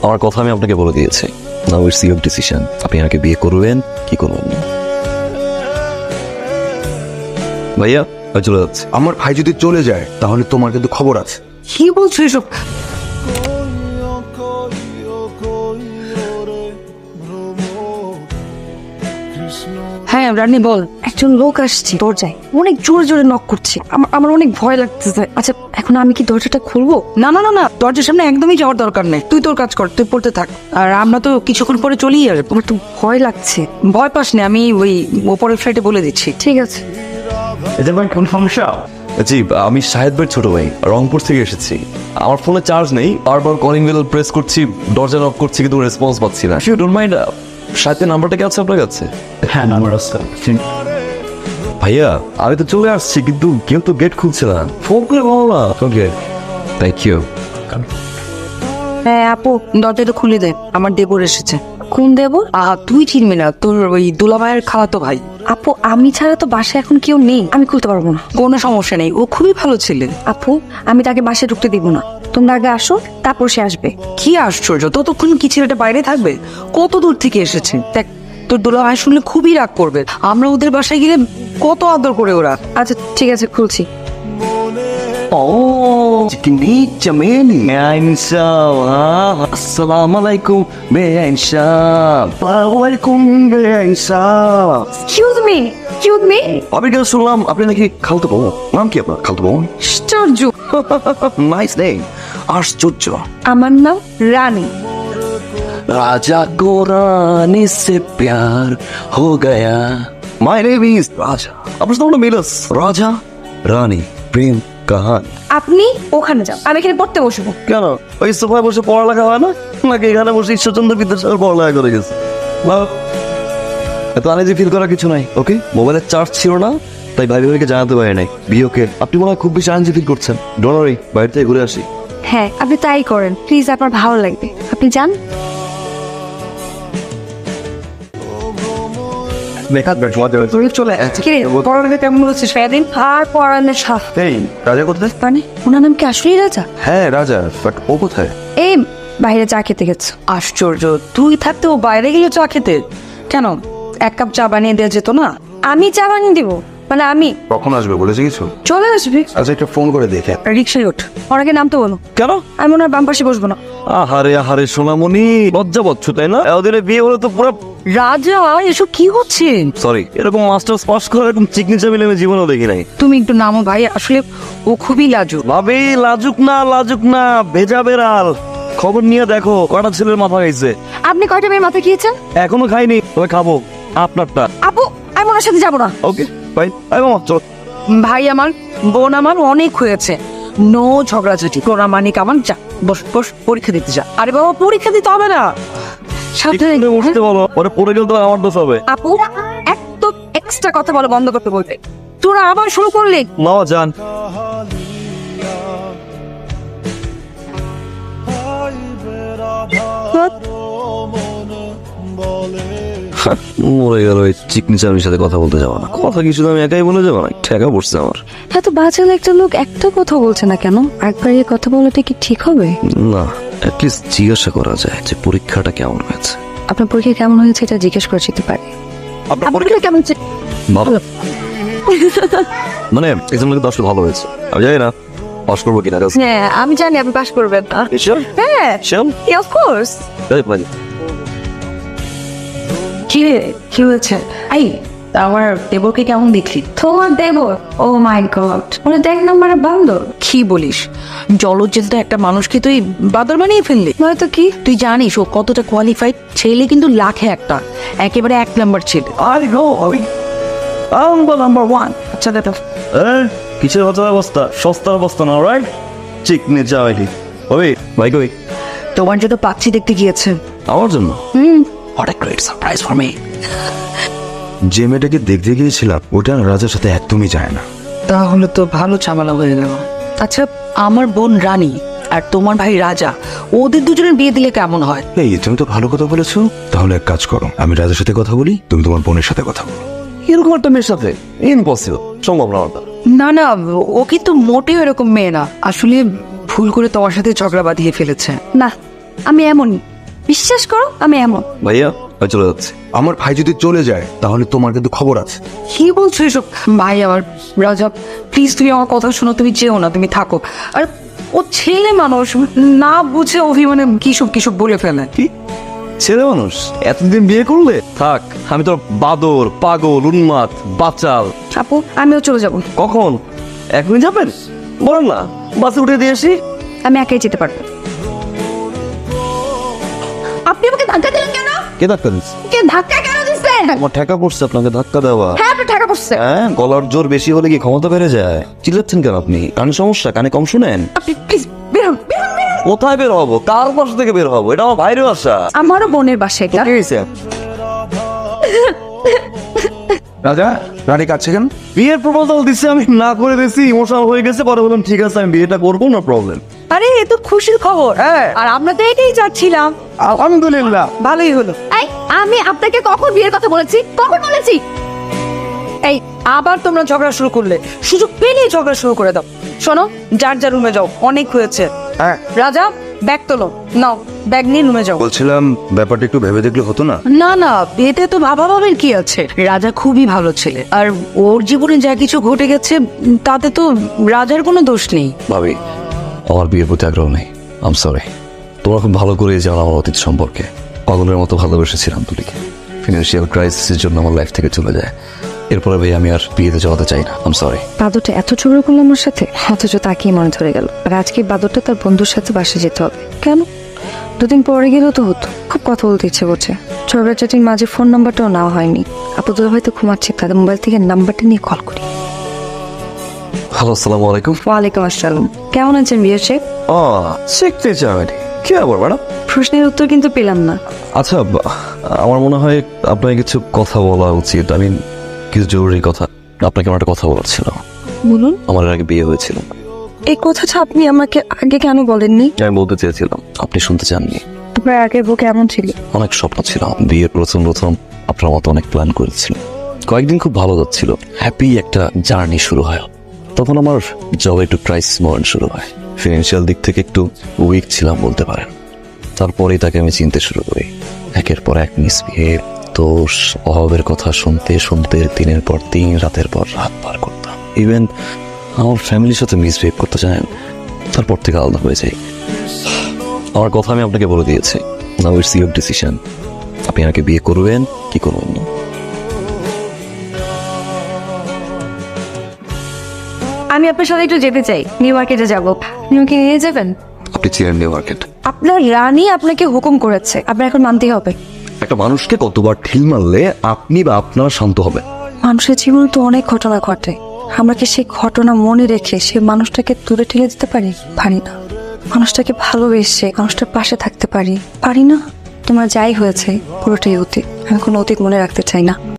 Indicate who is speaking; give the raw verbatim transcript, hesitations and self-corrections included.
Speaker 1: আমার কথা আমি আপনাকে বলে দিয়েছি। নাও ইটস ইউর ডিসিশন, আপনি আমাকে বিয়ে করবেন কি করবেন না। ভাইয়া আমি চলে যাচ্ছি।
Speaker 2: আমার ভাই যদি চলে যায় তাহলে তোমার কিন্তু খবর আছে।
Speaker 3: কি বলছো এসব? হ্যাঁ রানী বল।
Speaker 4: একজন লোক আসছে দরজায়, অনেক জোরে জোরে নক করছে। আমার আমার অনেক ভয় লাগতেছে। আচ্ছা এখন আমি কি দরজাটা খুলবো?
Speaker 3: না না না না, দরজার সামনে একদমই যাওয়ার দরকার নেই। তুই তোর কাজ কর, তুই পড়তে থাক। আর আমরা তো কিছুক্ষণ পরে চলেই আসবো।
Speaker 4: আমার তো ভয় লাগছে।
Speaker 3: ভয় পাস না, আমি ওই ওপরের ফ্লাইটে বলে দিচ্ছি।
Speaker 4: ঠিক আছে।
Speaker 1: এটা ভাই কোন সমস্যা? জি আমি শাহেদ ভাইয়ের ছোট ভাই, রংপুর থেকে এসেছি। আমার ফোনে চার্জ নেই, বারবার কলিং বেল প্রেস করছি, দরজা নক করছি কিন্তু রেসপন্স পাচ্ছি না। ইউ ডোন্ট মাইন্ড, শাহেদের নাম্বারটা কি আছে আপনার কাছে?
Speaker 2: হ্যাঁ নাম্বার আছে।
Speaker 1: ভাইয়া আমি তো চলে আসছি কিন্তু কেউ তো গেট খুলছে না, ফোন করে বলো না। Okay thank you.
Speaker 3: হ্যাঁ আপু, দরজাটা খুলে দে, আমার দেবর এসেছে।
Speaker 4: কোন দেব?
Speaker 3: আহা তুই চিনবি না, তোর ওই দুলা ভাইয়ের খালাতো ভাই।
Speaker 4: আপু আমি ছাড়া তো বাসায় এখন কেউ নেই, আমি খুলতে পারবো না।
Speaker 3: কোনো সমস্যা নেই, ও খুবই ভালো ছেলে।
Speaker 4: আপু আমি তাকে বাসায় ঢুকতে দিব না, তোমরা আগে আসো তারপর সে আসবে।
Speaker 3: কি আশ্চর্য, ততক্ষণ কি ছেলেটা বাইরে থাকবে? কত দূর থেকে এসেছে। দেখ তোর দুলা ভাই শুনলে খুবই রাগ করবে। আমরা ওদের বাসায় গেলে কত আদর করে ওরা।
Speaker 4: আচ্ছা ঠিক আছে খুলছি।
Speaker 1: Oh, চিকনি চামেলি আইনসাও। আসসালামু আলাইকুম বেআইনসাও। ওয়ালাইকুম বেআইনসাও।
Speaker 4: Excuse me, excuse me.
Speaker 1: আমি কেন শুনলাম আপনি নাকি খালতো বোন? নাম কি আপনার খালতো বোন?
Speaker 4: আশ্চর্য।
Speaker 1: নাইস নেম, আশ্চর্য।
Speaker 4: আমার নাম রানী।
Speaker 1: राजा को रानी से प्यार हो गया। My name is राजा। আপনার নাম মিলস, রাজা রানী প্রেম কাহানি।
Speaker 4: আপনি ওখানে যান, আমি এখানে পড়তে বসবো।
Speaker 1: কেন ওই সোফায় বসে পড়ালেখা হয় না নাকি এখানে বসে ঈশ্বরচন্দ্র বিদ্যাসাগর পড়ালেখা করে গেছে? এত আনিজি ফিল করার কিছু নাই। ওকে মোবাইলের চার্জ ছিল না তাই ভাই ভাইকে জানাতে পারি নাই বিয়োকে। আপনি মনে হয় খুব বেশি আনিজি ফিল করছেন। ডোন্ট ওয়ারি, বাইরে থেকে ঘুরে আসি।
Speaker 4: হ্যাঁ আপনি তাই করেন প্লিজ, আপনার ভালো লাগবে, আপনি যান।
Speaker 3: চলে আসছে।
Speaker 4: কি রে,
Speaker 3: পড়ালেখা কেমন হচ্ছে সারাদিন?
Speaker 4: আর পড়ানোর সাফ
Speaker 2: এই রাজা কোথায়?
Speaker 4: মানে ওনার নাম কি আসলেই রাজা?
Speaker 2: হ্যাঁ রাজা, বাট ও কোথায়?
Speaker 4: এই বাইরে চা খেতে গেছে।
Speaker 3: আশ্চর্য, তুই থাকতে ও বাইরে গেলে চা খেতে? কেন এক কাপ চা বানিয়ে দেওয়া যেত না?
Speaker 4: আমি চা বানিয়ে দিব? মানে আমি?
Speaker 2: কখন আসবে বলেছে কিছু?
Speaker 4: চলে আসবে।
Speaker 2: আচ্ছা একটা ফোন করে দেখে।
Speaker 3: রিক্সায় ওঠ।
Speaker 4: ওনাকে নামতে বলো।
Speaker 1: কেন?
Speaker 4: আমি ওনার বাম পাশে বসবো না।
Speaker 1: আহারে আহারে সোনামণি, লজ্জা পাচ্ছ তাই না? এতদিনে বিয়ে হলে তো পুরো।
Speaker 3: রাজা এসব কি হচ্ছে?
Speaker 1: সরি, এরকম মাস্টার্স পাস করে এরকম চিকনি চামিলে আমি জীবনেও দেখি নাই।
Speaker 3: তুমি একটু নামো ভাই, আসলে ও খুবই লাজুক।
Speaker 1: ভাবি লাজুক না, লাজুক না, ভেজা বেড়াল। খবর নিয়ে দেখো কটা ছেলের মাথা খাইছে।
Speaker 4: আপনি কয়টা মেয়ের মাথা খেয়েছেন?
Speaker 1: এখনো খাইনি, তবে খাবো আপনারটা।
Speaker 4: আপু আমি ওনার সাথে যাবো না।
Speaker 1: Okay bye. আই মামা চলো।
Speaker 3: ভাই আমার, বোন আমার অনেক হয়েছে, নো ঝগড়াঝাটি। তোরা মানিক আমার, যা বস বস পরীক্ষা দিতে যা। আরে বাবা পরীক্ষা দিতে হবে না, সাবধানে
Speaker 1: এখানে বসতে বলো, পরে পড়ে গেলে তো আমার দোষ হবে।
Speaker 4: আপু একদম এক্সট্রা কথা বলা বন্ধ করতে বলবে। তোরা আবার শুরু করলি।
Speaker 1: মামা যান। মরে গেল, ওই চিকনি চামির সাথে কথা বলতে যাবো না। কথা কিছু তো আমি একাই বলে যাবো না, ঠেকা পড়ছে আমার।
Speaker 4: এত বাচাল একটা লোক একটা কথা বলছে না কেন? একবার এই কথা বলাটা কি ঠিক হবে?
Speaker 1: না, অ্যাটলিস্ট জিজ্ঞাসা করা যায় যে পরীক্ষাটা কেমন হয়েছে।
Speaker 4: আপনার পরীক্ষা কেমন হয়েছে এটা জিজ্ঞেস করে যেতে পারে।
Speaker 1: আপনার
Speaker 4: আপনার
Speaker 1: পরীক্ষা
Speaker 4: কেমন হয়েছে?
Speaker 1: ভালো, মানে এক্সাম লিখে দশটা ভালো হয়েছে। আমি জানি না পাস করবো কিনা।
Speaker 4: হ্যাঁ আমি জানি আপনি পাস করবেন না।
Speaker 1: Sure?
Speaker 4: হ্যাঁ
Speaker 1: Sure?
Speaker 4: Of course.
Speaker 1: Very funny.
Speaker 3: কি রে, কি হয়েছে? আই আমার দেবরকে কেমন দেখলি?
Speaker 4: তোমার দেব? ও মাই গড, ওরা দেখ নম্বরে বান্দর।
Speaker 3: কি বলিস? জলজ্জেন্ত একটা মানুষকে তুই বাদর বানিয়ে ফেললি।
Speaker 4: নয়তো কি?
Speaker 3: তুই জানিস ও কতটা কোয়ালিফাইড ছেলে? কিন্তু লাখে একটা, একেবারে এক নাম্বার ছেলে।
Speaker 1: I know, আমি
Speaker 3: নাম্বার নাম্বার ওয়ান। আচ্ছা দাদা,
Speaker 1: Eh, কিসের হচ্ছে অবস্থা? সস্তার অবস্থা না, রাইট? চিকনি চাইলি ওই ভাই কই?
Speaker 3: তোমার জন্য পাচ্ছি দেখতে গিয়েছে।
Speaker 1: আমার জন্য?
Speaker 4: হুম
Speaker 1: What a great surprise for me.
Speaker 2: যে মেয়েটাকে দেখতে গিয়েছিলাম ওটা রাজার সাথে একদমই যায় না।
Speaker 3: তাহলে তো ভালো ঝামেলা হয়ে গেল। আচ্ছা আমার বোন রানী আর তোমার ভাই রাজা, ওদের দুজনের বিয়ে দিলে কেমন হয়?
Speaker 2: এই তুমি তো ভালো কথা বলেছো, তাহলে এক কাজ করো, আমি রাজার সাথে কথা বলি, তুমি তোমার বোনের সাথে কথা বলো।
Speaker 1: এরকম একটা মেয়ের সাথে ইম্পসিবল, সম্ভব না ওটা।
Speaker 3: না না, ও কিন্তু মোটেও এরকম মেয়ে না। আসলে ভুল করে তোমার সাথে ঝগড়া বাঁধিয়ে ফেলেছে।
Speaker 4: না আমি এমনই, বিশ্বাস করো আমি এমন।
Speaker 1: ভাইয়া আমি চলে যাচ্ছি।
Speaker 2: আমার ভাই যদি চলে যায় তাহলে তোমার কিন্তু খবর আছে।
Speaker 3: কি বলছো এসব? ভাই আমার রাজা, প্লিজ তুমি আমার কথা শোনো, তুমি যেও না, তুমি থাকো। আর ও ছেলে মানুষ, না বুঝে অভিমানে কিসব কিসব বলে ফেলে।
Speaker 1: কি ছেলে মানুষ? এতদিন বিয়ে করলে? থাক, আমি তোর বাদর, পাগল, উন্মাদ, বাচাল।
Speaker 4: আপু আমিও চলে যাব।
Speaker 1: কখন? এখনই যাবেন? বলেন না, বাসে উঠে দিয়ে আসি।
Speaker 4: আমি একাই যেতে পারবো। আপনি আমাকে ধাক্কা দিলেন কেন?
Speaker 1: কে ধাক্কা দিচ্ছে?
Speaker 4: কে ধাক্কা কেন দিচ্ছেন?
Speaker 1: আমার ঠেকা পড়ছে আপনাকে ধাক্কা দেওয়া।
Speaker 4: হ্যাঁ আপনি টাকা পড়ছে।
Speaker 1: হ্যাঁ, গলার জোর বেশি হলে কি ক্ষমতা বেড়ে যায়? চিল্লাচ্ছেন কেন আপনি? কানে সমস্যা? কানে কম শুনেন?
Speaker 4: আপনি প্লিজ বের হন, বের হন, বের হন।
Speaker 1: কোথায় বের হবো? কার বাসা থেকে বের হবো? এটা আমার ভাইয়ের বাসা।
Speaker 4: আমারও বোনের বাসা এটা।
Speaker 1: কি হয়েছে?
Speaker 2: রাজা, রানী কাছে কেন?
Speaker 1: বিয়ের প্রপোজাল দিচ্ছে, আমি না করে দিয়েছি, ইমোশনাল হয়ে গেছে। পরে বললাম ঠিক আছে আমি বিয়েটা করবো, না প্রবলেম।
Speaker 3: আরে এ তো খুশির খবর। হ্যাঁ, আর আমরা তো এটাই চাচ্ছিলাম।
Speaker 2: আলহামদুলিল্লাহ।
Speaker 3: ভালোই হলো।
Speaker 4: এই আমি আপনাকে কখন বিয়ের কথা বলেছি? কখন বলেছি?
Speaker 3: এই আবার তোমরা ঝগড়া শুরু করলে, সুযোগ পেলেই ঝগড়া শুরু করে দাও। শোনো, যার যার রুমে যাও, অনেক হয়েছে।
Speaker 2: হ্যাঁ,
Speaker 3: রাজা ব্যাগ তোলো, নাও ব্যাগ নিয়ে রুমে যাও।
Speaker 2: বলছিলাম ব্যাপারটা একটু ভেবে দেখলে হতো না?
Speaker 3: না না, বিয়েতে তো ভাবা ভাবের কি আছে? রাজা খুবই ভালো ছেলে, আর ওর জীবনে যা কিছু ঘটে গেছে তাতে তো রাজার কোনো দোষ নেই।
Speaker 1: ভাবি, আমার বিয়ের প্রতি আগ্রহ নেই। I'm sorry. তোমরা খুব ভালো করে জানো আমার অতীত সম্পর্কে। পাগলের মতো ভালোবেসেছিলাম তুলিকে। ফিনান্সিয়াল ক্রাইসিসের জন্য আমার লাইফ থেকে চলে যায়। এরপরে ভাই আমি আর বিয়েতে জড়াতে চাই না। আম সরি।
Speaker 4: বাদরটা এত ঝগড়া করলো আমার সাথে, অথচ তাকেই মনে ধরে গেল। আর আজকে বাদরটা তার বন্ধুর সাথে বাসে যেতে হবে। কেন? দুদিন পরে গেলেও তো হতো। খুব কথা বলতে ইচ্ছে করছে। ঝগড়া চাটির মাঝে ফোন নাম্বারটাও নেওয়া হয়নি। আপাতত হয়তো ঘুমাচ্ছে, তাদের মোবাইল থেকে নাম্বারটা নিয়ে কল করি।
Speaker 1: হ্যালো, আসসালামু আলাইকুম।
Speaker 4: ওয়ালাইকুম আসসালাম। কেমন আছেন বিয়ে শেখ?
Speaker 1: ও, শিখতে চাই। কি আবার ম্যাডাম?
Speaker 4: প্রশ্নের উত্তর কিন্তু পেলাম না।
Speaker 1: আচ্ছা, বা- আমার মনে হয় আপনাকে কিছু কথা বলা উচিত। আমি কিছু জরুরি কথা আপনাকে আমার একটা কথা বলার ছিল।
Speaker 4: বলুন।
Speaker 1: আমার এর আগে বিয়ে হয়েছিল।
Speaker 4: এই কথাটা আপনি আমাকে আগে কেন বলেননি?
Speaker 1: আমি বলতে চেয়েছিলাম, আপনি শুনতে চাননি।
Speaker 4: আপনার আগের বউ কেমন ছিল?
Speaker 1: অনেক স্বপ্ন ছিল। বিয়ের প্রথম প্রথম আপনার মতো অনেক প্ল্যান করেছিল। কয়েকদিন খুব ভালো যাচ্ছিল, হ্যাপি একটা জার্নি শুরু হয়। তখন আমার জবে একটু ক্রাইসিস মোমেন্ট শুরু হয়। ফিনান্সিয়াল দিক থেকে একটু উইক ছিলাম বলতে পারেন। তারপরেই তাকে আমি চিনতে শুরু করি। একের পর এক মিসবিহেভ, দোষ, অভাবের কথা শুনতে শুনতে দিনের পর দিন, রাতের পর রাত পার করতাম। ইভেন আমার ফ্যামিলির সাথে মিসবিহেভ করতে জানেন, তারপর থেকে আলাদা হয়ে যাই। আমার কথা আমি আপনাকে বলে দিয়েছি। Now it's your decision. আপনি আমাকে বিয়ে করবেন কি করবেন না।
Speaker 4: আমি আপনার সাথে একটু যেতে চাই, নিউ মার্কেটে যাব। আপনি আমাকে নিয়ে যাবেন?
Speaker 1: আপনি ছিলেন নিউ মার্কেট।
Speaker 4: আপনার রানী আপনাকে হুকুম করেছে, আপনার এখন মানতেই হবে।
Speaker 1: একটা মানুষকে কতবার ঢিল মারলে আপনি বা আপনারা শান্ত হবে?
Speaker 4: মানুষের জীবনে তো অনেক ঘটনা ঘটে। আমরা কি সেই ঘটনা মনে রেখে সে মানুষটাকে দূরে ঠেলে দিতে পারি? পারি না। মানুষটাকে ভালোবেসে মানুষটার পাশে থাকতে পারি? পারি না। তোমার যাই হয়েছে পুরোটাই অতীত। আমি কোনো অতীত মনে রাখতে চাই না।